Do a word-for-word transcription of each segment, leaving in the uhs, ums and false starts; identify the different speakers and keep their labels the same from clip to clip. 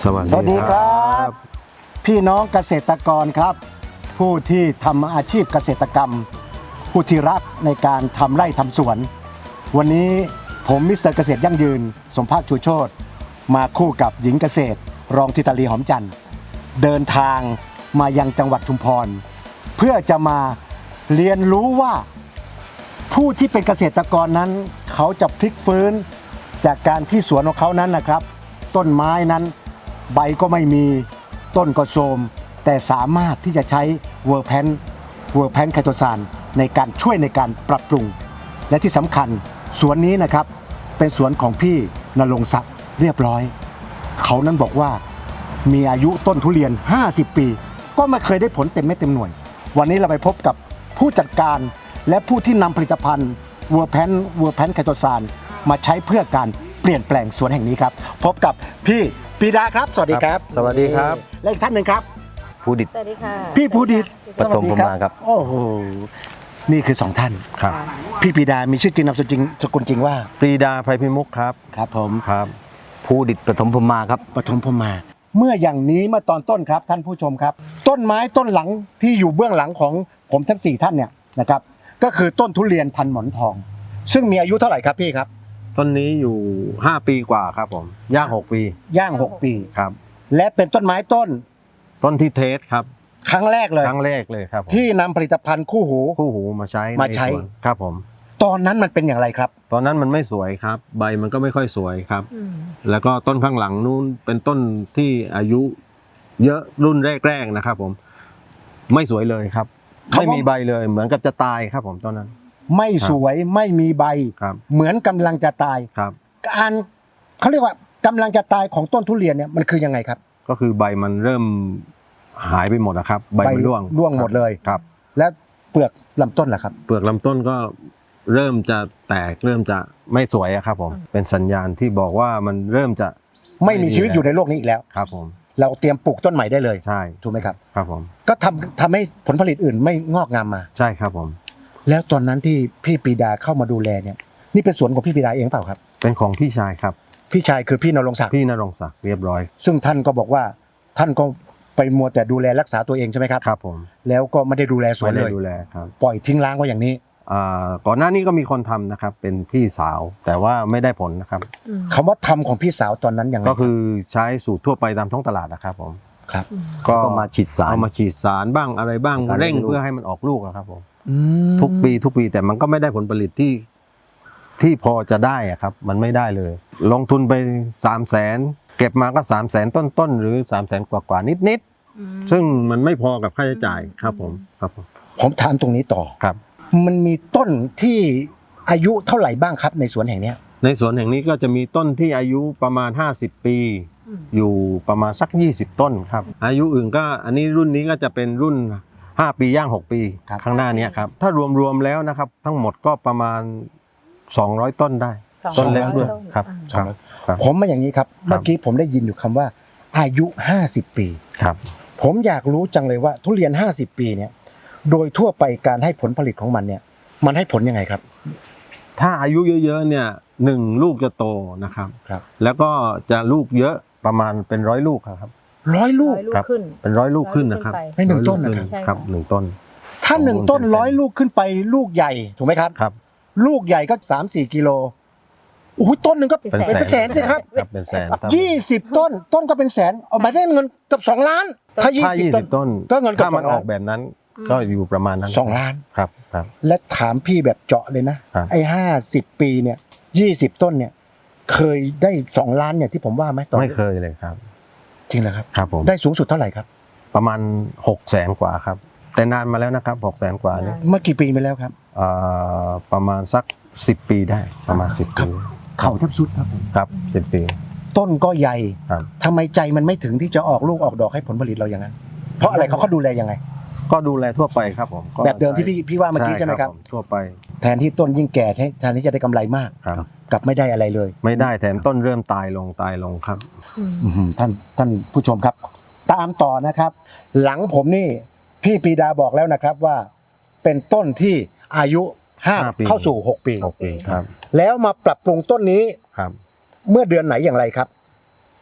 Speaker 1: สวัสดีครับพี่น้องเกษตรกรครับผู้ที่ทำอาชีพเกษตรกรรมผู้ที่รักในการทำไร่ทำสวนวันนี้ผมมิสเตอร์เกษตรยั่งยืนสมภาคชูโชติมาคู่กับหญิงเกษตรรองธิตาลีหอมจันทร์เดินทางมายังจังหวัดชุมพรเพื่อจะมาเรียนรู้ว่าผู้ที่เป็นเกษตรกรนั้นเขาจะพลิกฟื้นจากการที่สวนของเขานั้นนะครับต้นไม้นั้นใบก็ไม่มีต้นก็โทรมแต่สามารถที่จะใช้เวอร์แพนเวอร์แพนไคโตซานในการช่วยในการปรับปรุงและที่สำคัญสวนนี้นะครับเป็นสวนของพี่ณรงค์ศักดิ์เรียบร้อยเขานั้นบอกว่ามีอายุต้นทุเรียนห้าสิบปีก็ไม่เคยได้ผลเต็มเม็ดเต็มหน่วยวันนี้เราไปพบกับผู้จัดการและผู้ที่นำผลิตภัณฑ์เวอร์แพนเวอร์แพนไคโตซานมาใช้เพื่อการเปลี่ยนแปลงสวนแห่งนี้ครับพบกับพี่ปีดาครับสวัสดีครับ
Speaker 2: สวัสดีครับ
Speaker 1: และอีกท่านหนึ่งครับ
Speaker 2: ภูดิต
Speaker 3: สวัสดีค่ะ
Speaker 1: พี่ภูดิต
Speaker 2: ปฐมพรหมาครับ
Speaker 1: โอ้โหนี่คือสองท่าน
Speaker 2: ครับ
Speaker 1: พี่ปีดามีชื่อจริงนามสกุลจริงสกุลจริงว่า
Speaker 2: ปรีดาไพรพิมุขครับ
Speaker 1: ครับผม
Speaker 2: ครับ
Speaker 4: ภูดิตปฐมพรหมาครับ
Speaker 1: ปฐมพรหมาเมื่ออย่างนี้เมื่อตอนต้นครับท่านผู้ชมครับ ต้นไม้ต้นหลังที่อยู่เบื้องหลังของผมทั้งสี่ท่านเนี่ยนะครับก็คือต้นทุเรียนพันหมอนทอง ซึ่งมีอายุเท่าไหร่ครับพี่ครับ
Speaker 2: ต้นนี้อยู่ห้าปีกว่าครับผมย่างหกปี
Speaker 1: ย่างหกปี
Speaker 2: ครับ
Speaker 1: และเป็นต้นไม้ต้น
Speaker 2: ต้นที่เทสครับ
Speaker 1: ครั้งแรกเลย
Speaker 2: ครั้งแรกเลยครับผม
Speaker 1: ที่นำผลิตภัณฑ์คู่หู
Speaker 2: คู่หูมาใช้
Speaker 1: มาใช้
Speaker 2: นสวนครับผม
Speaker 1: ตอนนั้นมันเป็นอย่างไรครับ
Speaker 2: ตอนนั้นมันไม่สวยครับ ใบมันก็ไม่ค่อยสวยครับ แล้วก็ต้นข้างหลังนู้นเป็นต้นที่อายุเยอะรุ่นแรกๆนะครับผมไม่สวยเลยครับ
Speaker 1: เขา
Speaker 2: ไม่มีใบเลยเหมือนกับจะตายครับผมตอนนั้น
Speaker 1: ไม่สวยไม่มีใบ
Speaker 2: ครับ
Speaker 1: เหมือนกำลังจะตาย
Speaker 2: ครับ
Speaker 1: การเขาเรียกว่ากำลังจะตายของต้นทุเรียนเนี่ยมันคือยังไงครับ
Speaker 2: ก็คือใบมันเริ่มหายไปหมดนะครับใบมันร่วง
Speaker 1: ร่วงหมดเลย
Speaker 2: ครับ
Speaker 1: และเปลือกลำต้นล่ะครับ
Speaker 2: เปลือกลำต้นก็เริ่มจะแตกเริ่มจะไม่สวยอะครับผมเป็นสัญญาณที่บอกว่ามันเริ่มจะ
Speaker 1: ไม่มีชีวิตอยู่ในโลกนี้อีกแล้ว
Speaker 2: ครับผม
Speaker 1: เราเตรียมปลูกต้นใหม่ได้เลย
Speaker 2: ใช่
Speaker 1: ถูกไหมครับ
Speaker 2: ครับผม
Speaker 1: ก็ทำทำให้ผลผลิตอื่นไม่งอกงามมา
Speaker 2: ใช่ครับผม
Speaker 1: แล้วตอนนั้นที่พี่ปรีดาเข้ามาดูแลเนี่ยนี่เป็นสวนของพี่ปรีดาเองเปล่าครับ
Speaker 2: เป็นของพี่ชายครับ
Speaker 1: พี่ชายคือพี่ณรงค์ศักดิ์
Speaker 2: พี่ณรงค์ศักดิ์เรียบร้อย
Speaker 1: ซึ่งท่านก็บอกว่าท่านก็ไปมัวแต่ดูแลรักษาตัวเองใช่ไหมครับ
Speaker 2: ครับผม
Speaker 1: แล้วก็ไม่ได้ดูแลสวน
Speaker 2: ไม่
Speaker 1: เล
Speaker 2: ได้
Speaker 1: ย
Speaker 2: ดูแลครับ
Speaker 1: ปล่อยทิ้งร้างไว้อย่างนี้
Speaker 2: อ่าก่อนหน้านี้ก็มีคนทำนะครับ เป็นพี่สาวแต่ว่าไม่ได้ผลนะครับ
Speaker 1: คำว่าทำของพี่สาวตอนนั้นยังไง
Speaker 2: ก็คือใช้สูตรทั่วไปตามท้องตลาดนะครับผม
Speaker 1: ครับ
Speaker 2: ก็
Speaker 4: ก็มาฉีดสาร
Speaker 2: เอามาฉีดสารบ้างอะไรบ้าง
Speaker 4: ในการ
Speaker 2: เร่ง
Speaker 4: ให้ลูก
Speaker 2: เพื่อให้มันออกลูกอะครับผม
Speaker 1: อืม
Speaker 2: ทุกปีทุกปีแต่มันก็ไม่ได้ผลผลิตที่ที่พอจะได้อะครับ มันไม่ได้เลย ลงทุนไปสามแสนเก็บมาก็สามแสนต้นๆหรือสามแสนกว่าๆนิดๆซึ่งมันไม่พอกับค่าใช้จ่ายครับผมครับผม
Speaker 1: ผมถามตรงนี้ต่อ
Speaker 2: ครับ
Speaker 1: มันมีต้นที่อายุเท่าไหร่บ้างครับในสวนแห่งเนี้ย
Speaker 2: ในสวนแห่งนี้ก็จะมีต้นที่อายุประมาณห้าสิบปีอยู่ประมาณสักยี่สิบต้นครับอายุอื่นก็อันนี้รุ่นนี้ก็จะเป็นรุ่นห้าปีย่างหกปีข้างหน้านี้ครับถ้ารวมๆแล้วนะครับทั้งหมดก็ประมาณสองร้อยต้นได้ ต้นเล็กด้วยครับครับครับ
Speaker 1: ผมมาอย่างนี้ครับเมื่อกี้ผมได้ยินอยู่คำว่า อายุห้าสิบปี
Speaker 2: ครับ
Speaker 1: ผมอยากรู้จังเลยว่าทุเรียนห้าสิบปีเนี่ยโดยทั่วไปการให้ผลผลิตของมันเนี่ยมันให้ผลยังไงครับ
Speaker 2: ถ้าอายุเยอะๆเนี่ยหนึ่งลูกจะโตนะครับ
Speaker 1: ครับ
Speaker 2: แล้วก็จะลูกเยอะประมาณเป็นร้อยลูกครับ
Speaker 1: ร้อยลูก
Speaker 3: ร้อยลูก
Speaker 2: ครับ
Speaker 3: ขึ้น
Speaker 2: เป็นร้อยลูกขึ้นนะครับ
Speaker 1: ในหนึ่งต้น
Speaker 2: ร้อย
Speaker 1: นะ
Speaker 2: ลูก
Speaker 1: ครับ
Speaker 2: ขึ้ครับหนึ่งต้น
Speaker 1: ถ้าหนึ่งต้น
Speaker 2: เป็น
Speaker 1: ร้อยลูกขึ้นไปลูกใหญ่ถูกไหมครับ
Speaker 2: ครับ
Speaker 1: ลูกใหญ่ก็สามสี่กิโลโอ้โหต้นหนึ่งก็
Speaker 3: เป็
Speaker 1: เป็น
Speaker 3: นแสน
Speaker 1: เป็นแสนสิครับ
Speaker 2: ครับเป็นแสนครับ
Speaker 1: ยี่สิบต้นต้นก็เป็นแสนเอามาได้เงินเกับสองล้าน ถ้ายี่
Speaker 2: ถ้า
Speaker 1: สิบ
Speaker 2: ยี่
Speaker 1: ต้
Speaker 2: สิ
Speaker 1: น
Speaker 2: บต้น
Speaker 1: ก็เงินเกือบ
Speaker 2: ถ้ามัน
Speaker 1: สอง
Speaker 2: อ
Speaker 1: ล้าน
Speaker 2: อกแบบนั้น ก็อยู่ประมาณนั้น
Speaker 1: สองล้าน
Speaker 2: ครับครับ
Speaker 1: และถามพี่แบบเจาะเลยนะครับ ไอ้ห้าสิบปีเนี่ยยี่สิบต้นเนี่ยเคยได้สองล้านเนี่ยที่ผมว่าไหมตอน
Speaker 2: ไม่เคยเลยครับ
Speaker 1: จริงเหรอครับ
Speaker 2: ครับผม
Speaker 1: ได้สูงสุดเท่าไหร่ครับ
Speaker 2: ประมาณหกแสนกว่าครับ แต่นานมาแล้วนะครับหกแสนกว่านี่
Speaker 1: เมื่อกี่ปีไปแล้วครับ
Speaker 2: เอ่อประมาณสักสิบปีได้ประมาณสิบ
Speaker 1: ครั
Speaker 2: ปี
Speaker 1: บ เข่าแทบสุดครับผม
Speaker 2: ครับสิบปี
Speaker 1: ต้นก็ใหญ่
Speaker 2: ครับ
Speaker 1: ทำไมใจมันไม่ถึงที่จะออกลูกออกดอกให้ผลผลิตเราอย่างนั้น เพราะอะไรเขาเขาดูแลยังไง
Speaker 2: ก็ดูแลทั่วไปครับผมก็
Speaker 1: แบบเดิมที่พี่พี่ว่าเมื่อกี้ใช่ไหมครับ
Speaker 2: ผทั่วไป
Speaker 1: แทนที่ต้นยิ่งแก่แทนที่จะได้กำไรมาก
Speaker 2: ครับ
Speaker 1: กลับไม่ได้อะไรเลย
Speaker 2: ไม่ได้แถมต้นเริ่มตายลงตายลงครับ
Speaker 1: อื้อหือท่านท่านผู้ชมครับ ตามต่อนะครับ หลังผมนี่พี่ปรีดาบอกแล้วนะครับว่า เป็นต้นที่อายุห้า
Speaker 2: ห้าปี
Speaker 1: เข้าสู่หกปี
Speaker 2: หกปีครับ
Speaker 1: แล้วมาปรับปรุงต้นนี้
Speaker 2: ครับ
Speaker 1: เมื่อเดือนไหนอย่างไรครับ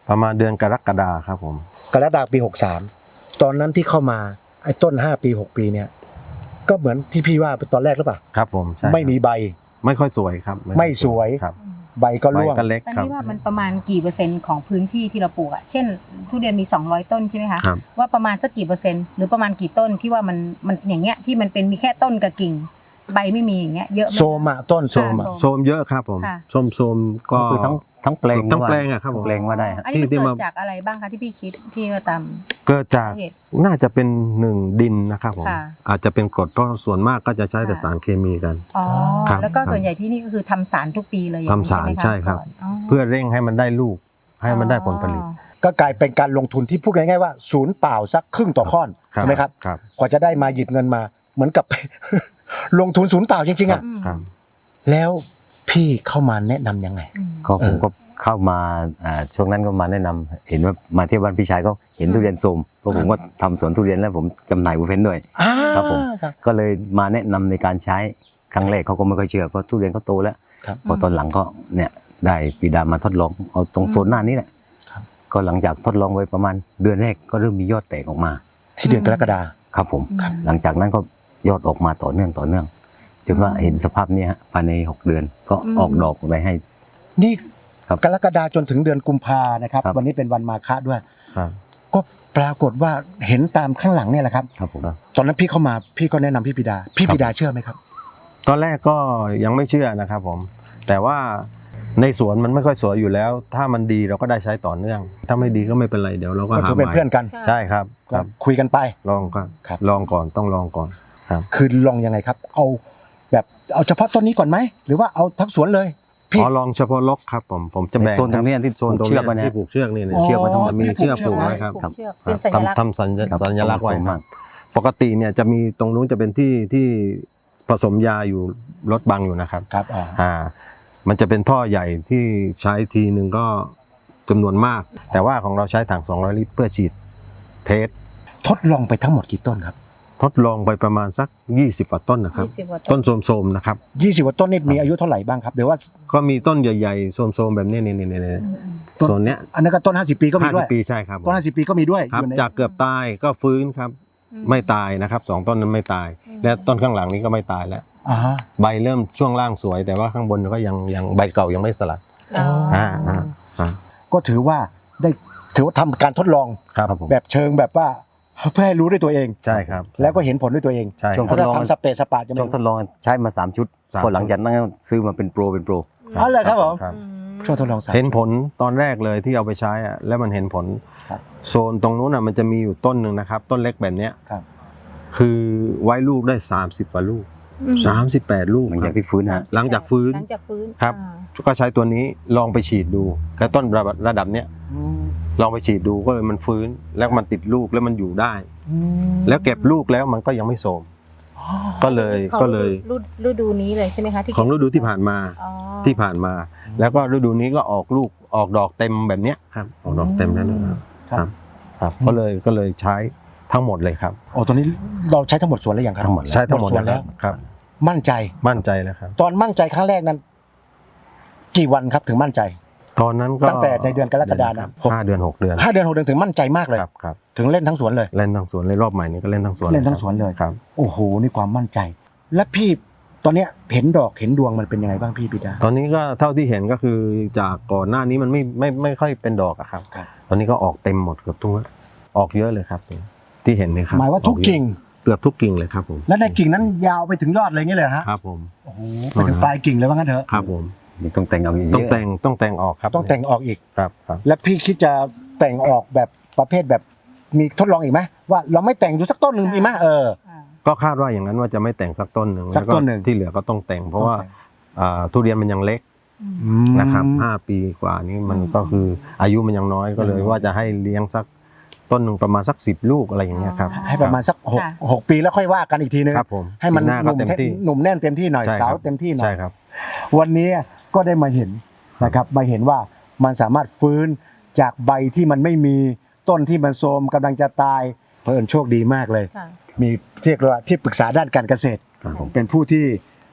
Speaker 2: ประมาณเดือนกรกฎาครับผม
Speaker 1: กรกฎาคมปีหกสามตอนนั้นที่เข้ามาไอ้ต้นห้าปีหกปีเนี่ยก็เหมือนที่พี่ว่าตอนแรกหรือเปล่า
Speaker 2: ครับผมใช่
Speaker 1: ไม่มีใบ
Speaker 2: ไม่ค่อยสวยครับ
Speaker 1: ไม่สวย
Speaker 2: ครับ
Speaker 1: ใบก็
Speaker 2: ใบ
Speaker 1: ร่วง
Speaker 2: ก็เล็ก
Speaker 3: ตอน
Speaker 2: ครับ
Speaker 3: นี้ว่ามันประมาณกี่เปอร์เซ็นต์ของพื้นที่ที่เราปลูกอ่ะเช่นทุเรียนมีสองร้อยต้นใช่ไหมคะ
Speaker 2: ครับ
Speaker 3: ว่าประมาณสักกี่เปอร์เซ็นต์หรือประมาณกี่ต้นที่ว่ามันมันอย่างเงี้ยที่มันเป็นมีแค่ต้นกับกิ่งใบไม่มีอย่างเงี้ยเยอะไหม
Speaker 1: โซมอะต้นโซมอะ
Speaker 3: ค่ะ
Speaker 2: โซมเยอะครับผม
Speaker 3: ค่ะ
Speaker 2: ส้มโซมก็
Speaker 4: ก็คือทั้งทั้งแปลง
Speaker 2: ทั้งแปลงอะครับผม
Speaker 4: ทั้งแปลงว่าได้ฮะ
Speaker 3: อันนี้มัน
Speaker 2: ที่
Speaker 3: เกิ
Speaker 2: มา
Speaker 3: ดจากอะไรบ้างคะที่พี่คิดที่ว่าตาม
Speaker 2: เกิดจาก
Speaker 3: สาเหตุ
Speaker 2: น่าจะเป็นหนึ่งดินนะครับผม
Speaker 3: ค่ะ
Speaker 2: อาจจะเป็นกรดเพราะส่วนมากก็จะใช้แต่
Speaker 3: ค่ะ
Speaker 2: สารเคมีกัน
Speaker 3: อ๋อ
Speaker 2: ครับ
Speaker 3: แล้วก็
Speaker 2: ครับ
Speaker 3: ส่วนใหญ่ที่นี่ก็คือทำสารทุกปีเลยอย่งนี้
Speaker 2: ทำสาร
Speaker 3: ไหมะ
Speaker 2: ใช่ครับ
Speaker 3: ก่อนอ๋อ
Speaker 2: เพื่อเร่งให้มันได้ลูกให้มันได้ผลผลิต
Speaker 3: อ๋อ
Speaker 1: ก็กลายเป็นการลงทุนที่พูดง่ายๆว่าศูนย์เปล่าสักครึ่งต่อข้อน
Speaker 2: ครับ
Speaker 1: ใช่ไหมครับ
Speaker 2: ครับ
Speaker 1: กว่าจะได้มาหยิบเงินมา เหมือนกับ ลงทุนศูนย์เปล่าจริงๆอะ
Speaker 3: อืม
Speaker 2: ครับ
Speaker 1: แล้วพี่เข้ามาแนะนำยังไง
Speaker 3: อืม
Speaker 4: ก็ผม
Speaker 1: เออ
Speaker 4: ก็เข้ามาอ่าช่วงนั้นก็มาแนะนำเห็นว่ามาเที่ยวบ้านพี่ชายก็เห็นทุเรียนโทรมเพราะผมก็ทำสวนทุเรียนแล้วผมจำหน่ายบูเพนด้วย
Speaker 1: อ่า
Speaker 4: ครับผม
Speaker 1: ครับ
Speaker 4: ก็เลยมาแนะนำในการใช้ครั้งแรกเขาก็ไม่ค่อยเชื่อเพราะทุเรียนเขาโตแล้ว
Speaker 1: ครับ
Speaker 4: พอตอนหลังก็เนี่ยได้ปีดามาทดลองเอาตรงโซนหน้านี้แหละ
Speaker 1: ครับ
Speaker 4: ก็หลังจากทดลองไว้ประมาณเดือนแรกก็เริ่มมียอดแตกออกมา
Speaker 1: ที่เดือนกรกฎา
Speaker 4: ครับผม
Speaker 3: ครับ
Speaker 4: หลังจากนั้นก็ยอดออกมาต่อเนื่องต่อเนื่องจนว่า
Speaker 3: อืม
Speaker 4: เห็นสภาพเนี้ฮะภายในหกเดือนก็
Speaker 3: อืม
Speaker 4: ออกดอกไปให้
Speaker 1: นี่
Speaker 4: ครับ
Speaker 1: กรกฎาจนถึงเดือนกุมภานะครับ
Speaker 4: ครับ
Speaker 1: วันนี้เป็นวันมาฆะด้วย
Speaker 2: ครับ
Speaker 1: ก็ปรากฏว่าเห็นตามข้างหลังเนี่ยแหละครับ
Speaker 4: ครับผม
Speaker 1: ตอนนั้นพี่เข้ามาพี่ก็แนะนำพี่ปิดา พี่ปิดาเชื่อไหมครับ
Speaker 2: ตอนแรกก็ยังไม่เชื่อนะครับผม แต่ว่าในสวนมันไม่ค่อยสวยอยู่แล้ว ถ้ามันดีเราก็ได้ใช้ต่อเนื่อง ถ้าไม่ดีก็ไม่เป็นไรเดี๋ยวเราก็
Speaker 1: ก็
Speaker 2: หา
Speaker 1: ถือเป็น
Speaker 2: ใหม่
Speaker 1: เพื่อนกัน
Speaker 2: ใช่ครับค
Speaker 1: ก็
Speaker 2: รับ
Speaker 1: คุยกันไป
Speaker 2: ลองก่อน
Speaker 1: ครับ
Speaker 2: ลองก่อนต้องลองก่อนครับ
Speaker 1: คือลองยังไงครับ เอาแบบเอาเฉพาะต้นนี้ก่อนไหมหรือว่าเอาทั้งสวนเลยพี่
Speaker 2: อ๋อลองเฉพาะลกครับผมผมจะแบ่ง
Speaker 4: โซนตรงเนี้ยที่
Speaker 2: โซนตรง
Speaker 4: เชื
Speaker 2: เนี้
Speaker 4: อกไว้
Speaker 2: ย
Speaker 4: เนี่ย
Speaker 2: ที่ผูกเชือกนี่เนี่ย
Speaker 1: อ๋อ
Speaker 2: เชือกไว้ทั้งหมดมี
Speaker 1: ที่
Speaker 2: เชือก
Speaker 1: ผู
Speaker 2: ผู
Speaker 1: ก
Speaker 2: ก
Speaker 1: เชือก
Speaker 2: ไว้ครับ
Speaker 3: ผูกเชือกเป็นสัญลักษณ์
Speaker 2: ทำทำสัญ
Speaker 4: ครับ
Speaker 2: สัญลักษณ์ไว้
Speaker 4: ผสม
Speaker 2: ค
Speaker 4: มา
Speaker 2: รับ
Speaker 4: ก
Speaker 2: ปกติเนี่ยจะมีตรงนู้นจะเป็นที่ที่ผสมยาอยู่รถบังอยู่นะครับ
Speaker 1: ครับอ่า
Speaker 2: อ่ามันจะเป็นท่อใหญ่ที่ใช้ทีหนึ่งก็จำนวนมาก แต่ว่าของเราใช้ถังสองร้อยลิตรเพื่อฉีดเทส
Speaker 1: ทดลองไปทั้งหมดกี่ต้นครับ
Speaker 2: ทดลองไปประมาณสักยี่สิบกว่าต้นนะครับ
Speaker 3: ยี่สิบกว่า
Speaker 2: ต้นโสมๆนะครับ
Speaker 1: ยี่สิบกว่าต้นนี่มีอายุเท่าไหร่บ้างครับเดี๋ยวว่า
Speaker 2: ก็มีต้นใหญ่ๆโสมๆแบบนี้นี่นี่นี่
Speaker 3: อืมอืม
Speaker 2: โซนเนี้ย
Speaker 1: อันนั้นก็ต้นห้าสิบปีก็มี
Speaker 2: ห้า
Speaker 1: ด้
Speaker 2: สิ
Speaker 1: วย
Speaker 2: บปีใช่ครับผม
Speaker 1: ต้นห้าสิบปีก็มีด้วย
Speaker 2: ครับ
Speaker 1: อยู่ใน
Speaker 2: จากเกือบตายก็ฟื้นครับ
Speaker 3: อื
Speaker 2: ไม่ตายนะครับสองต้นนั้นไม่ตาย
Speaker 3: อืม
Speaker 2: และต้นข้างหลังนี้ก็ไม่ตายแล้ว
Speaker 1: อ่าฮะ
Speaker 2: ใบเริ่มช่วงล่างสวย แต่ว่าข้างบนก็ยังยังใบเก่ายังไม่สลัด
Speaker 3: อ๋ออ
Speaker 2: อ่าอ่าอ่า
Speaker 1: ก็ถือว่าได้ถือว่าทำการทดลอง
Speaker 2: ครับ
Speaker 4: ครับผม
Speaker 1: แบบเชิงแบบว่าเพื่อให้รู้ด้วยตัวเอง
Speaker 2: ใช่ครับ
Speaker 1: แล้วก็เห็นผลด้วยตัวเอง
Speaker 2: ใช่
Speaker 4: ช่วง
Speaker 2: ค
Speaker 1: ถ้า
Speaker 2: รับ
Speaker 4: ทดลอง
Speaker 1: ทำสเปซสปาจะ
Speaker 4: ช่
Speaker 1: ไม่
Speaker 4: วงทดลองใช้มาสามชุด
Speaker 2: สาม
Speaker 4: พอหลังจากนั้นก็ซื้อมาเป็นโปรเป็นโปร
Speaker 1: อ๋อเลยครับผม
Speaker 2: ครับ
Speaker 3: อืม
Speaker 1: ช่วงทดลองสาม
Speaker 2: เห็นผลตอนแรกเลยที่เอาไปใช้อะแล้วมันเห็นผล
Speaker 1: ครับ
Speaker 2: โซนตรงนู้นอ่ะมันจะมีอยู่ต้นหนึ่งนะครับ ต้นเล็กแบบเนี้ย
Speaker 1: ครับ
Speaker 2: คือไว้ลูกได้สามสิบกว่าลูก
Speaker 3: อืม
Speaker 2: สามสิบแปดลูก
Speaker 4: หลังจากที่ฟื้นฮะ
Speaker 2: หลังจากฟื้น
Speaker 3: หลังจากฟื้น
Speaker 2: ครับ
Speaker 3: อ่า
Speaker 2: ก็ใช้ตัวนี้ลองไปฉีดดูแล้วต้นระดับระดับเนี้ย
Speaker 1: อืม
Speaker 2: ลองไปฉีดดูก็เลยมันฟื้นแล้วมันติดลูกแล้วมันอยู่ได้
Speaker 1: อืม
Speaker 2: แล้วเก็บลูกแล้วมันก็ยังไม่โทรม
Speaker 1: อ๋อ
Speaker 2: ก็เลย
Speaker 3: ของ
Speaker 2: ก็เลย
Speaker 3: ฤดูฤดูนี้เลยใช่ไหมคะที่
Speaker 2: ของฤดูที่ผ่านมา
Speaker 3: อ๋อ
Speaker 2: ที่ผ่านมา แล้วก็ฤดูนี้ก็ออกลูกออกดอกเต็มแบบเนี้ยครับออกดอกเต็มแล้วนะครับ
Speaker 1: ครับ
Speaker 2: ครับก็เลยก็เลยใช้ทั้งหมดเลยครับ
Speaker 1: โอ้ตัวนี้เราใช้ทั้งหมดสวนแล้วยังครับ
Speaker 4: ทั้งหมดแล้ว
Speaker 2: ใช้ทั้งหมด
Speaker 1: สวน
Speaker 2: แล้
Speaker 1: แล้ว ว
Speaker 2: ครับ
Speaker 1: มั่นใจ
Speaker 2: มั่นใจแล้วครับ
Speaker 1: ตอนมั่นใจครั้งแรกนั้น กี่วันครับถึงมั่นใจ
Speaker 2: ตอนนั้นก็
Speaker 1: ตั้งแต่ในเดือนกรกฎาคม
Speaker 2: ห้าเดือนหกเดือน
Speaker 1: ห้าเดือนหกเดือนถึงมั่นใจมากเลย
Speaker 2: ครับครับ
Speaker 1: ถึงเล่นทั้งสวนเลย
Speaker 2: เล่นทั้งสวนเลยรอบใหม่นี้ก็เล่นทั้งสวน
Speaker 1: เล่นทั้งสวนเลย
Speaker 2: ครับ
Speaker 1: โอ้โหนี่ความมั่นใจ และพี่ตอนเนี้ยเห็นดอกเห็นดวงมันเป็นยังไงบ้างพี่ปิดา
Speaker 2: ตอนนี้ก็เท่าที่เห็นก็คือจากก่อนหน้านี้มันไม่ไม่ไม่ค่อยเป็นดอกอะครับ
Speaker 1: ครับ
Speaker 2: ตอนนี้ก็ออกเต็มหมดเกือบทุกออกเยอะเลยครับ ที่เห็นเลยครับ
Speaker 1: หมายว่าทุกกิ่ง
Speaker 2: เกือบทุกกิ่งเลยครับผม
Speaker 1: และในกิ่งนั้นยาวไปถึงยอดเลยงี้เลยฮะ
Speaker 2: ครับผม
Speaker 1: โอ้โหไปถึงปลายกิ่งเลยว่างั้นเถอะ
Speaker 2: ครับผม
Speaker 4: นี่ต้องแต่งเอาอีกเย
Speaker 2: ต้อง
Speaker 4: อะ
Speaker 2: แต่งต้องแต่งออกครับ
Speaker 1: ต้องแต่งออกอีก
Speaker 2: ครับครับ
Speaker 1: และพี่คิดจะแต่งออกแบบประเภทแบบมีทดลองอีกไหมว่าเราไม่แต่งดูสักต้นหนึ่งมีไหมเออ
Speaker 3: อ่า
Speaker 2: ก็คาดว่าอย่างนั้นว่าจะไม่แต่งสักต้นหนึ่ง
Speaker 1: สักต้นหนึ่ง
Speaker 2: แล้วที่เหลือก็ต้องแต่ง เพราะว่าอ่าทุเรียนมันยังเล็ก
Speaker 3: อืม
Speaker 2: นะครับห้าปีกว่านี้มันก็คืออายุมันยังน้อยก็เลยว่าจะให้เลี้ยงสักต้นหนึ่งประมาณสักสิบลูกอะไรอย่างเงี้ยครับ
Speaker 1: ให้ประมาณสักหก
Speaker 3: ค่ะ
Speaker 1: หกปีแล้วค่อยว่ากันอีกทีนึง
Speaker 2: ครับผม
Speaker 1: ให้มัน
Speaker 2: ปีหน้า
Speaker 1: ห
Speaker 2: ก็
Speaker 1: นุ่ม
Speaker 2: เต็มที่
Speaker 1: หนุ่มแน่นเต็มที่หน่อย
Speaker 2: ใช่ค
Speaker 1: สา
Speaker 2: รั
Speaker 1: ว
Speaker 2: บ
Speaker 1: เต็มที่หน่อ
Speaker 2: ใช่
Speaker 1: ย
Speaker 2: ครับ
Speaker 1: วันนี้ก็ได้มาเห็นนะครับมาเห็นว่ามันสามารถฟื้นจากใบที่มันไม่มีต้นที่มันโทรมกำลังจะตายเพิ่นโชคดีมากเลย
Speaker 3: ค่ะ
Speaker 1: มีเรียกว่าที่ปรึกษาด้านการเกษตร
Speaker 2: ครับผม
Speaker 1: เป็นผู้ที่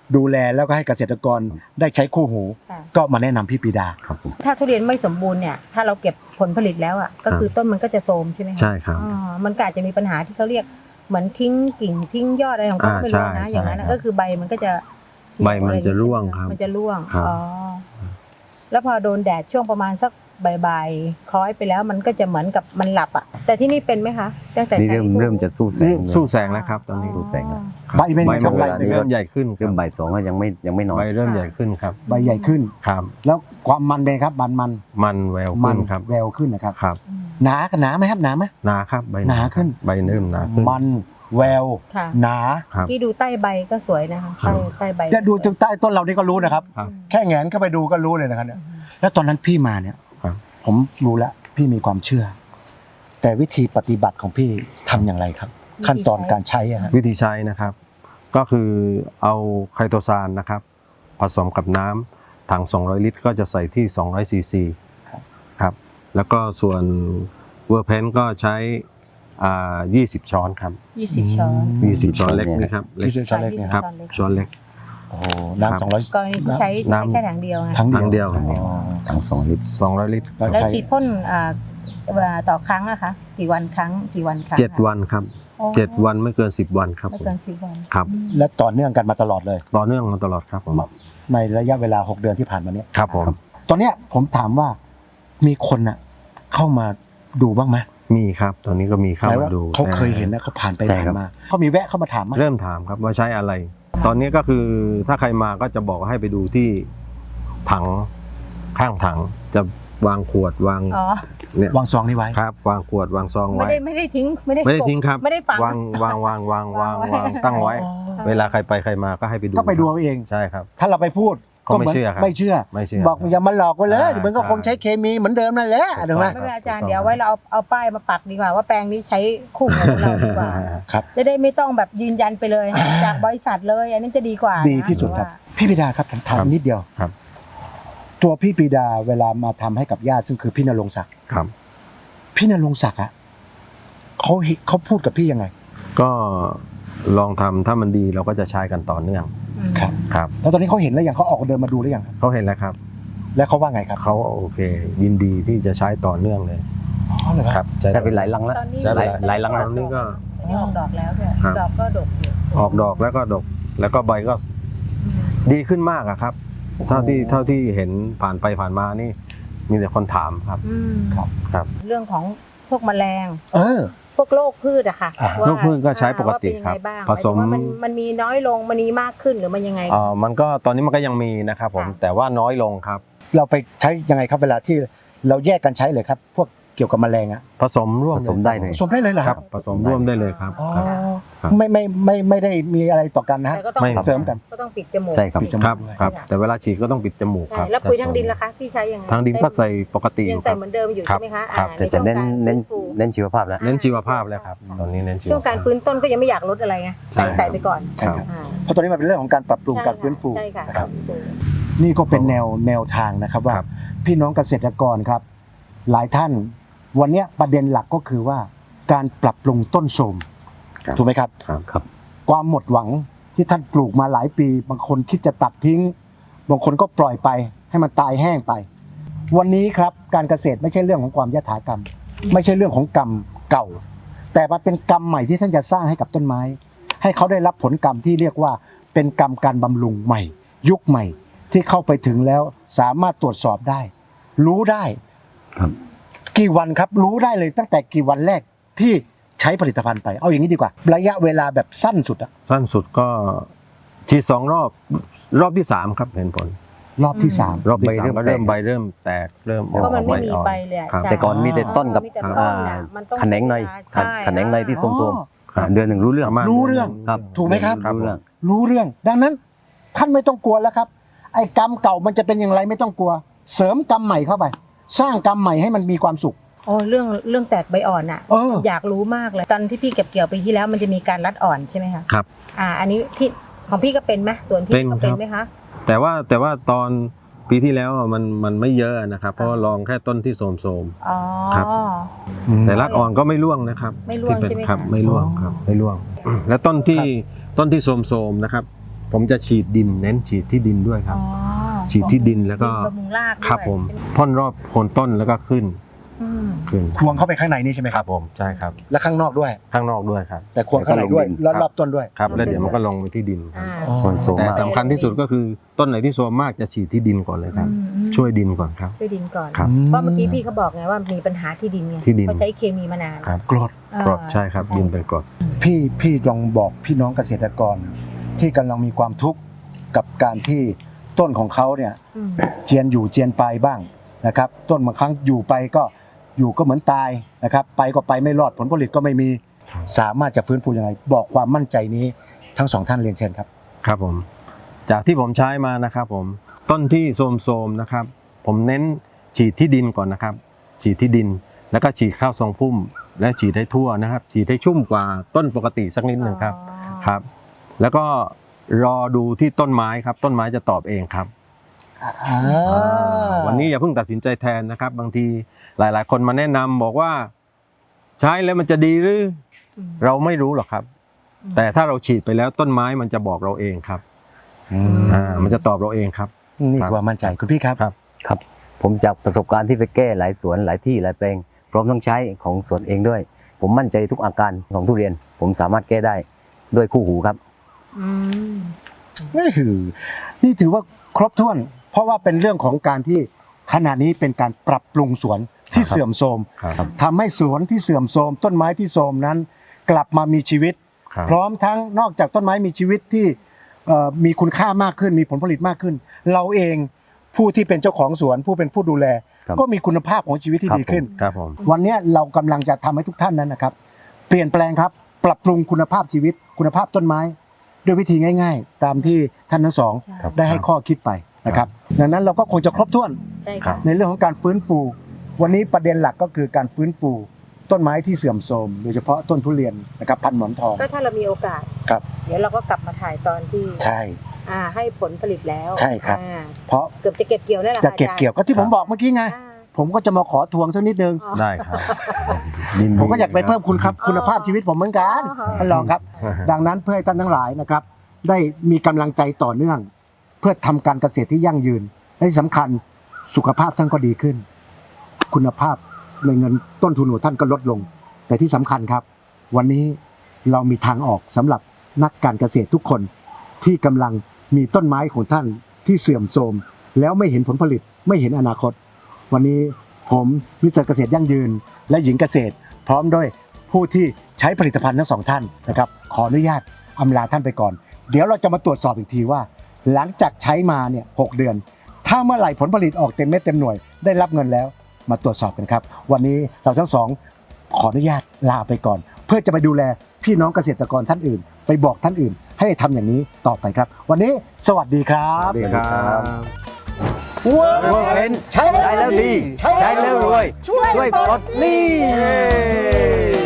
Speaker 1: ดูแลแล้วก็ให้เกษตรกรได้ใช้คู่หู
Speaker 3: ค่ะ
Speaker 1: ก็มาแนะนำพี่ปรีดา
Speaker 4: ครับผม
Speaker 3: ถ้าทุเรียนไม่สมบูรณ์เนี่ยถ้าเราเก็บผลผลิตแล้วอ่ะก็คือต้นมันก็จะโทรมใช่ไหมคะ
Speaker 2: ใช่ครับ
Speaker 3: อ๋อมันก็อาจจะมีปัญหาที่เขาเรียกเหมือนทิ้งกิ่งทิ้งยอดอะไรของเขา
Speaker 2: อ่า
Speaker 3: ไม่รู้
Speaker 2: ใช่
Speaker 3: นะ
Speaker 2: ใช่
Speaker 3: อย่างนั้น
Speaker 2: ครั
Speaker 3: นะ
Speaker 2: บ
Speaker 3: ก็คือใบมันก็จะ
Speaker 2: ใบมันจะร่วงครับ
Speaker 3: มันจะร่วง
Speaker 2: ครับ
Speaker 3: อ๋อแล้วพอโดนแดดช่วงประมาณสักบ่ายๆคล้อยไปแล้วมันก็จะเหมือนกับมันหลับอ่ะแต่ที่นี่เป็นไหมคะตั้งแต่
Speaker 4: นี่
Speaker 3: ใช้
Speaker 4: เริ่มเริ่มจะสู้แสง
Speaker 2: สู้แสงแล้วครับตอนนี้
Speaker 4: สู้แสงแล้ว
Speaker 1: ใบเป็นไง
Speaker 2: ใบ
Speaker 1: ครับ
Speaker 2: มัน
Speaker 1: ใบ
Speaker 4: เวลา
Speaker 1: เป็นไง
Speaker 2: เริ่มใหญ่ขึ้นค
Speaker 4: เริ่
Speaker 2: รั
Speaker 4: ม
Speaker 2: บ
Speaker 4: บ่ายสองก็ยังไม่ยังไม่นอน
Speaker 2: ใบเริ่มใหญ่ขึ้นครับ
Speaker 1: ใบใหญ่ขึ้น
Speaker 2: ครับ
Speaker 1: แล้วความมันเป็นไงครับมันมัน
Speaker 2: มันแวว
Speaker 1: มั
Speaker 2: ขึ้นครับ
Speaker 1: แววขึ้นนะครับ
Speaker 2: ครับ
Speaker 3: อืม
Speaker 1: หนาหนาไหมครับหนาไหม
Speaker 2: หนาครับใบ
Speaker 1: หนาขึ้น
Speaker 2: ใบเริ่มหนาขึ้น
Speaker 1: มันแวว
Speaker 3: ค่ะ
Speaker 1: หนา
Speaker 2: ครับ
Speaker 3: ที่ดูใต้ใบก็สวยนะคะ
Speaker 2: ครั
Speaker 3: ใต้
Speaker 2: บ
Speaker 3: ใต้ใบ
Speaker 1: เนี่ยดูถึงใต้ต้นเรานี่ก็รู้นะครับ
Speaker 2: ครับ
Speaker 1: แค่แงนเข้าไปดูก็รู้เลยนะครับเนี่ยแล้วตอนนั้นพี่มาเนี่ย
Speaker 2: ครับ
Speaker 1: ผมรู้แล้วพี่มีความเชื่อ แต่วิธีปฏิบัติของพี่ทำอย่างไรครับ ขั้นตอนการใช้อะฮะ
Speaker 2: วิธีใช้นะครับ ก็คือเอาไคโตซานนะครับ ผสมกับน้ำถัง สองร้อย ลิตร ก็จะใส่ที่ สองร้อย ซีซี ครับ แล้วก็ส่วนเวอร์เพนก็ใช้อ่ายี่สิบ ช้อนครับ
Speaker 3: ยี่สิบช้อน
Speaker 2: ยี่สิบ ช้อนเล็กนะครับเล็ก
Speaker 1: ที่ช้อนเล็กเนี่ย
Speaker 2: ครับ ช้อนเล็ก
Speaker 1: โอ้โหน้ำสองร้อย
Speaker 3: กรณีที่ใช้
Speaker 2: น้ำ
Speaker 3: แค่ถังเดียวไง
Speaker 1: ทั้ง
Speaker 2: ถังเดียว
Speaker 1: อ๋อ
Speaker 4: ทั้งสองลิตร
Speaker 2: สองร้อย ลิตร
Speaker 1: แล้ว
Speaker 3: แล้ว
Speaker 1: ใช้
Speaker 3: ฉีดพ่นอ่าเอ่อต่อครั้งอะคะกี่วันครั้งกี่วันครั้ง
Speaker 2: เจ็ด
Speaker 3: คะ
Speaker 2: วันครับ
Speaker 3: อ๋อ
Speaker 2: เจ็ดวันไม่เกินสิบวันครับ
Speaker 3: ไม่
Speaker 2: ผม
Speaker 3: เกินสิบวัน
Speaker 2: ครับ
Speaker 1: และต่อเนื่องกันมาตลอดเลย
Speaker 2: ต่อเนื่องมาตลอดครับผม
Speaker 1: ในระยะเวลาหกเดือนที่ผ่านมาเนี้
Speaker 2: ครับผม
Speaker 1: ตอนเนี้ยผมถามว่ามีคนน่ะเข้ามาดูบ้างไหม
Speaker 2: มีครับ ตอนนี้ก็มีเข้า
Speaker 1: หมาย
Speaker 2: มา
Speaker 1: ว่า
Speaker 2: ดู
Speaker 1: เขา
Speaker 2: แต่
Speaker 1: เคยเห็นนะเขาผ่านไป
Speaker 4: ใช่
Speaker 1: ผ่า
Speaker 4: ครั
Speaker 1: น
Speaker 4: บ
Speaker 1: มาเขามีแวะเข้ามาถามไหม
Speaker 2: เริ่มถามครับว่าใช้อะไร ตอนนี้ก็คือถ้าใครมาก็จะบอกให้ไปดูที่ถังข้างถังจะวางขวดวาง
Speaker 3: อ๋อ
Speaker 2: เนี่ยว
Speaker 1: างซองนี้ไว้
Speaker 2: ครับ วางขวดวางซอง
Speaker 3: ไม่
Speaker 2: ไว้
Speaker 3: ได้ไม่ได้ทิ้งไม่ได้
Speaker 2: ไม่ได้ทิ้งครับ
Speaker 3: ไม่ได้ฝัง
Speaker 2: วางวางวางวางวาง
Speaker 3: วางไว้
Speaker 2: วางตั้งไว้
Speaker 1: อ๋อ
Speaker 2: เวลาใครไปใครมาก็ให้ไปดู
Speaker 1: ก็ไปดูเอาเอง
Speaker 2: ใช่ครับ
Speaker 1: ถ้าเราไปพูด
Speaker 2: ก็ไม่
Speaker 1: หน
Speaker 2: เชื่อครับ
Speaker 1: ไม่เชื่อ
Speaker 2: ไม่เชื่อ
Speaker 1: บอกอย่ามาหลอกไว้เลย
Speaker 2: อ่า
Speaker 1: เดี๋ยวมันก็
Speaker 2: ใช่
Speaker 1: คงใช้เคมีเหมือนเดิมนั่นแหละ
Speaker 2: ถูก
Speaker 1: ถูกไหม
Speaker 2: ต้อง
Speaker 3: ไม่เป็นไรอาจารย์
Speaker 2: ถูกต้อง
Speaker 3: เดี๋ยวไว้เราเอาเอาป้ายมาปักดีกว่าว่าแปลงนี้ใช้คู่หูเราดีกว่า
Speaker 1: ครับ
Speaker 3: จะได้ไม่ต้องแบบยืนยันไปเลย จากบริษัทเลย อันนี้จะดีกว่านะ
Speaker 1: ดีที่สุดครับ
Speaker 3: ว่า
Speaker 1: พี่ปิดาครับผมถาม
Speaker 2: ครับ
Speaker 1: นิดเดียว
Speaker 2: ครับ
Speaker 1: ตัวพี่ปิดาเวลามาทำให้กับญาติซึ่งคือพี่นรงค์ศักดิ์
Speaker 2: ครับ
Speaker 1: พี่นรงค์ศักดิ์อะเขาเห็นเขาพูดกับพี่ยังไง
Speaker 2: ก็ลองทำถ้ามันดีเราก็จะใช้กันต่อเนื่อง
Speaker 3: อืม
Speaker 1: ครับ
Speaker 2: ครับ
Speaker 1: แล้วตอนนี้เขาเห็นแล้วยังเขาออกเดินมาดูหรือยังครับ
Speaker 2: เขาเห็นแล้วครับ
Speaker 1: แล้วเขาว่าไงครับ
Speaker 2: เขาโอเค ยินดีที่จะใช้ต่อเนื่องเลย
Speaker 1: อ๋อเหรอ
Speaker 2: ค
Speaker 1: ค
Speaker 2: รั
Speaker 1: รั
Speaker 2: บบ
Speaker 4: ใช่เป็นหลายลังแล้ว
Speaker 3: ตอนนี้
Speaker 2: ใช่
Speaker 4: หลายหลายลัง
Speaker 2: ต
Speaker 4: แล้ว
Speaker 2: อนนี้ก็
Speaker 3: อันนี้ออกดอกแล้วด้วย
Speaker 2: ครับ
Speaker 3: ดอกก็ดกอยู่
Speaker 2: ออกดอกแล้วก็ดก แล้วก็ใบก็
Speaker 3: อืม
Speaker 2: ดีขึ้นมากอะครับ เท่าที่เท่าที่เห็นผ่านไปผ่านมานี่ มีแต่คนถามครับ
Speaker 3: อืม
Speaker 1: ครับ
Speaker 2: ครับ
Speaker 3: เรื่องของพวกแมลง
Speaker 1: เออ
Speaker 3: พวกโรคพืชอะค่ะ
Speaker 1: อ่า
Speaker 3: ว่า
Speaker 2: โรคพืชก็ใช้ปกติ
Speaker 3: ว่าเป็นยัง
Speaker 2: ครับ
Speaker 3: ไงบ้าง
Speaker 2: ผสม
Speaker 3: หายถึงว่ามันมันมีน้อยลงมันมีมากขึ้นหรือมันยังไง
Speaker 2: เอ่อมันก็ตอนนี้มันก็ยังมีนะครับผม
Speaker 3: ค่ะ
Speaker 2: แต่ว่าน้อยลงครับ
Speaker 1: เราไปใช้ยังไงครับเวลาที่เราแยกกันใช้เลยครับ พวกเกี่ยวกับแมลงอะ
Speaker 2: ผสมร่วม
Speaker 4: ผสมได้เลย
Speaker 1: ผสมได้เลยเหรอ
Speaker 2: ค
Speaker 1: ค
Speaker 2: รั
Speaker 1: รั
Speaker 2: บบ ผสมร่วมได้เลยครับ
Speaker 1: อ๋อ
Speaker 2: ครับ ครับ
Speaker 1: ไม่ไม่ไม่ไม่ได้มีอะไรต่อกันนะฮะ
Speaker 3: แต่ก็ต้อง
Speaker 2: ไม่
Speaker 1: เสริมกัน
Speaker 3: ก็ต้องปิดจมูก
Speaker 4: ใช่ครับ
Speaker 1: ปิดจมูก
Speaker 2: ครับครับ แต่เวลาฉีดก็ต้องปิดจมูกค
Speaker 3: ใช่
Speaker 2: รับ
Speaker 3: แล้วปุ๋ยทางดินล่ะคะพี่ใช้ยังไง
Speaker 2: ทางดินก็ใส่ปกติอ
Speaker 3: ยัง
Speaker 2: ยู่ค
Speaker 3: ใส่
Speaker 2: รับ
Speaker 3: เหมือนเดิมอยู่
Speaker 2: ครั
Speaker 3: ใช่
Speaker 2: บ
Speaker 3: ไหมคะ
Speaker 2: ครับ
Speaker 3: อ่า
Speaker 4: แต่จะเน้น
Speaker 3: ใช่วงการ
Speaker 4: เน้น
Speaker 3: ฟื้ฟู
Speaker 4: เน้นชีวภาพแล้ว
Speaker 2: เน้นชีวภาพแล้วครับ ตอนนี้เน้นชีว
Speaker 3: ช่วงการ
Speaker 2: ภาพ
Speaker 3: ฟื้นต้นก็ยังไม่อยากลดอะไรไง
Speaker 2: ใช่
Speaker 3: ใส่ใส่ไปก่อน
Speaker 2: ครับ
Speaker 3: อ่า
Speaker 1: เพราะตอนนี้มันเป็นเรื่องของการปรับปรุงการฟื้นฟู
Speaker 3: ใช่ค่ะ
Speaker 1: นะครับ
Speaker 3: ฟื้นฟู
Speaker 1: นี่ก็เป็นแนวแนวทางนะครับว่า
Speaker 2: ครับ
Speaker 1: พี่น้องเกษตรกรครับ หลายท่าน วันเนี้ยประเด็นหลักก็คือว่าการปรับปรุงต้นโทรม
Speaker 2: ครับ
Speaker 1: ถูกไหมครับ
Speaker 2: ครับ
Speaker 4: ครับ
Speaker 1: ความหมดหวังที่ท่านปลูกมาหลายปี บางคนคิดจะตัดทิ้ง บางคนก็ปล่อยไปให้มันตายแห้งไป วันนี้ครับการเกษตรไม่ใช่เรื่องของความยถากรรม ไม่ใช่เรื่องของกรรมเก่า แต่มันเป็นกรรมใหม่ที่ท่านจะสร้างให้กับต้นไม้ ให้เขาได้รับผลกรรมที่เรียกว่าเป็นกรรมการบำรุงใหม่ ยุคใหม่ที่เข้าไปถึงแล้วสามารถตรวจสอบได้ รู้ได้
Speaker 4: ครับ
Speaker 1: กี่วันครับรู้ได้เลยตั้งแต่กี่วันแรกที่ใช้ผลิตภัณฑ์ไปเอาอย่างนี้ดีกว่า ระยะเวลาแบบสั้นสุดอะ
Speaker 2: สั้นสุดก็ฉีดสองรอบ รอบที่สามครับเห็นผล
Speaker 1: รอบที่สาม
Speaker 2: รอบที่สาม
Speaker 4: ใบเริ่ม
Speaker 2: ก็เริ่ม
Speaker 4: แตก
Speaker 2: ใบเริ่มแตกเริ่มออก
Speaker 3: ก็มันไม่มี
Speaker 2: อ่อ
Speaker 3: ใบเลยอะ
Speaker 2: ครับ
Speaker 3: จ้ะ
Speaker 4: แต่ก่อนมีแต่ต้นกับ
Speaker 3: มีแต่ต้น
Speaker 4: อ่า
Speaker 3: น่ะมันต้อง
Speaker 4: แขนงใน
Speaker 3: ใช่
Speaker 4: แขนงในที่
Speaker 1: อ๋อ
Speaker 4: ส้มๆอ่าเดือนหนึ่งรู้เรื่อง
Speaker 2: ประมาณ
Speaker 1: รู้เรื่อง
Speaker 4: ครับ
Speaker 1: ถูกไหมครับ
Speaker 2: ครับ
Speaker 4: รู้เรื่อง
Speaker 1: รู้เรื่อง ดังนั้นท่านไม่ต้องกลัวแล้วครับ ไอ้กรรมเก่ามันจะเป็นอย่างไรไม่ต้องกลัว เสริมกรรมใหม่เข้าไป สร้างกรรมใหม่ให้มันมีความสุข
Speaker 3: โอ้เรื่องเรื่องแตกใบอ่อนอ่ะ
Speaker 1: เออ
Speaker 3: อยากรู้มากเลย ตอนที่พี่เก็บเกี่ยวปีที่แล้วมันจะมีการรัดอ่อนใช่ไหมคะ
Speaker 2: ครับ
Speaker 3: อ่า อันนี้ที่ของพี่ก็เป็นไหมส่วนพี่
Speaker 2: เป็น
Speaker 3: ก็เป็น
Speaker 2: ครับ
Speaker 3: ไหมคะ
Speaker 2: แต่ว่าแต่ว่าตอนปีที่แล้วอ่ะมันมันไม่เยอะนะครับ เพราะว่าลองแค่ต้นที่โสม
Speaker 3: อ๋อ
Speaker 2: ครับ ๆแต่รัดอ่อนก็ไม่ร่วงนะครับ
Speaker 3: ไม่ร่วง
Speaker 2: ที่เป็น
Speaker 3: ใช่ไหม
Speaker 2: ครับ
Speaker 3: คะ
Speaker 2: ไม่ร่วงครับไม่ร่วง และต้นที่ต้นที่โสมๆนะครับผมจะฉีดดินเน้นฉีดที่ดินด้วยครับ
Speaker 3: อ๋อ
Speaker 2: ฉีดที่ดินแล้วก็
Speaker 3: บำรุงรากด้วย
Speaker 2: ครับผมพ่นรอบโคนต้นแล้วก็ขึ้น
Speaker 3: อืม
Speaker 2: ขึ้น
Speaker 1: ควงเข้าไปข้างในนี่ใช่ไหม
Speaker 2: ค
Speaker 1: ค
Speaker 2: รั
Speaker 1: รั
Speaker 2: บบ ผมใช่ครับ
Speaker 1: และข้างนอกด้วย
Speaker 2: ข้างนอกด้วยครับ
Speaker 1: แต่ควงข้างในด้วย
Speaker 4: แล้วก็ลงดิน
Speaker 1: รอบๆต้นด้วย
Speaker 2: ครับแล้วเดี๋ยวมันก็ลงไปที่ดินครับ
Speaker 3: อ่า
Speaker 1: อ๋อ
Speaker 4: คนโซม
Speaker 2: แต่
Speaker 4: มาก
Speaker 2: สำคัญที่สุดก็คือต้นไหนที่โซมมากจะฉีดที่ดินก่อนเลยครับ
Speaker 3: อืมอืม
Speaker 2: ช่วยดินก่อนครับ
Speaker 3: ช่วยดินก่อน
Speaker 2: ครับ
Speaker 3: เพราะเมื่อกี้พี่เขาบอกไงว่ามีปัญหาที่ดินไง
Speaker 2: ที่ดิน
Speaker 3: เขาใช้เคมีมานาน
Speaker 2: ครับ
Speaker 1: กรด
Speaker 3: อ่าก
Speaker 2: รดใช่ครับดินเป็นกรด
Speaker 1: พี่พี่ลองบอกพี่น้องเกษตรกร ที่กำลังมีความทุกข์กับการที่ต้นของเขาเนี่ย
Speaker 3: อืม
Speaker 1: เจียนอยู่เจียนไปบ้างนะครับ ต้นบางครั้งอยู่ไปก็อยู่ก็เหมือนตายนะครับ ไปก็ไปไม่รอดผลผลิตก็ไม่มี
Speaker 2: ครับ
Speaker 1: สามารถจะฟื้นฟูยังไงบอกความมั่นใจนี้ทั้งสองท่านเรียนเชิญครับ
Speaker 2: ครับผมจากที่ผมใช้มานะครับผมต้นที่โทรมๆนะครับ ผมเน้นฉีดที่ดินก่อนนะครับ ฉีดที่ดินแล้วก็ฉีดข้าวทรงพุ่ม และฉีดให้ทั่วนะครับ ฉีดให้ชุ่มกว่าต้นปกติสักนิดหนึ่งครับ
Speaker 3: อ๋อ
Speaker 2: ครับ แล้วก็รอดูที่ต้นไม้ครับ ต้นไม้จะตอบเองครับ วันนี้อย่าเพิ่งตัดสินใจแทนนะครับ บางทีหลาย ๆ คนมาแนะนำบอกว่า ใช้แล้วมันจะดีหรือ
Speaker 3: อืม
Speaker 2: เราไม่รู้หรอกครับ
Speaker 3: อืม
Speaker 2: แต่ถ้าเราฉีดไปแล้วต้นไม้มันจะบอกเราเองครับ
Speaker 1: อืม
Speaker 2: อ่ามันจะตอบเราเองครับ
Speaker 1: นี่คือความมั่นใจคุณพี่ครับ
Speaker 2: ครับ
Speaker 4: ครับ ผมจากประสบการณ์ที่ไปแก้หลายสวนหลายที่หลายแปลงพร้อมต้องใช้ของสวนเองด้วย ผมมั่นใจทุกอาการของทุเรียน ผมสามารถแก้ได้ด้วยคู่หูครับ
Speaker 3: อืม
Speaker 1: นี่คือนี่ถือว่าครบถ้วน เพราะว่าเป็นเรื่องของการที่ขณะนี้เป็นการปรับปรุงสวนที่
Speaker 2: ครับ
Speaker 1: เสื่อมโทรม
Speaker 2: ครับ
Speaker 1: ทำให้สวนที่เสื่อมโทรมต้นไม้ที่โทรมนั้น กลับมามีชีวิต
Speaker 2: ครับ
Speaker 1: พร้อมทั้งนอกจากต้นไม้มีชีวิตที่เอ่อมีคุณค่ามากขึ้น มีผลผลิตมากขึ้น เราเองผู้ที่เป็นเจ้าของสวน ผู้เป็นผู้ดูแล
Speaker 4: ครับ
Speaker 1: ก็มีคุณภาพของชีวิตที่
Speaker 4: ครับ
Speaker 1: ดีขึ้น
Speaker 2: ครับผม
Speaker 1: วันนี้เรากำลังจะทำให้ทุกท่านนั้นนะครับ เปลี่ยนแปลงครับ ปรับปรุงคุณภาพชีวิต คุณภาพต้นไม้ ด้วยวิธีง่าย ๆ ตามที่ท่านทั้งสอง
Speaker 4: ครับ
Speaker 1: ได้ให้ข้อคิดไปนะครับ ดังนั้นเราก็คงจะครบถ้วน
Speaker 3: ใช่
Speaker 2: ครั
Speaker 3: ค่ะ
Speaker 2: บ
Speaker 1: ในเรื่องของการฟื้นฟู วันนี้ประเด็นหลักก็คือการฟื้นฟู ต้นไม้ที่เสื่อมโทรมโดยเฉพาะต้นทุเรียนนะครับพันหมอนทอง
Speaker 3: ก็ถ้าเรามีโอกาส
Speaker 1: ครับ
Speaker 3: เดี๋ยวเราก็กลับมาถ่ายตอนที่
Speaker 1: ใช่
Speaker 3: อ่าให้ผลผลิตแล้ว
Speaker 1: ใช่ครับ
Speaker 3: อ่า
Speaker 1: เพราะ
Speaker 3: เกือบจะเก็บเกี่ยวแล้วล่ะ
Speaker 1: จะเก็บเกี่ยวก็ที่ผมบอกเมื่อกี้ไง
Speaker 3: อ่า
Speaker 1: ผมก็จะมาขอทวงสักนิดนึง
Speaker 3: อ๋อ
Speaker 2: ได้ครับ
Speaker 1: ผมก็อยากไปเพิ่มคุณครับคุณภาพชีวิตผมเหมือนกัน
Speaker 3: อ๋อ
Speaker 1: ท่านรองครับ ดังนั้นเพื่อให้ท่านทั้งหลายนะครับ ได้มีกำลังใจต่อเนื่อง เพื่อทำการเกษตรที่ยั่งยืนและที่สำคัญสุขภาพท่านก็ดีขึ้น คุณภาพในเงินต้นทุนของท่านก็ลดลง แต่ที่สำคัญครับ วันนี้เรามีทางออกสำหรับนักการเกษตรทุกคนที่กำลังมีต้นไม้ของท่านที่เสื่อมโทรมแล้วไม่เห็นผลผลิตไม่เห็นอนาคต วันนี้ผมมิสเตอร์เกษตรยั่งยืน และหญิงเกษตร พร้อมด้วยผู้ที่ใช้ผลิตภัณฑ์ทั้งสองท่านนะครับขออนุญาตอำลาท่านไปก่อน เดี๋ยวเราจะมาตรวจสอบอีกทีว่า หลังจากใช้มาเนี่ยหกเดือน ถ้าเมื่อไหร่ผลผลิตออกเต็มเม็ดเต็มหน่วยได้รับเงินแล้วมาตรวจสอบกันครับ วันนี้เราทั้งสองขออนุญาตลาไปก่อน เพื่อจะไปดูแลพี่น้องเกษตรกรท่านอื่น ไปบอกท่านอื่น ให้ทำอย่างนี้ต่อไปครับ วันนี้สวัสดีครับ
Speaker 2: สวัสดีครับ
Speaker 4: เวิร์กเพน
Speaker 1: ใช้
Speaker 4: ใช้แล้วดี ใช้แล้วรวย ช่วยปลดหนี้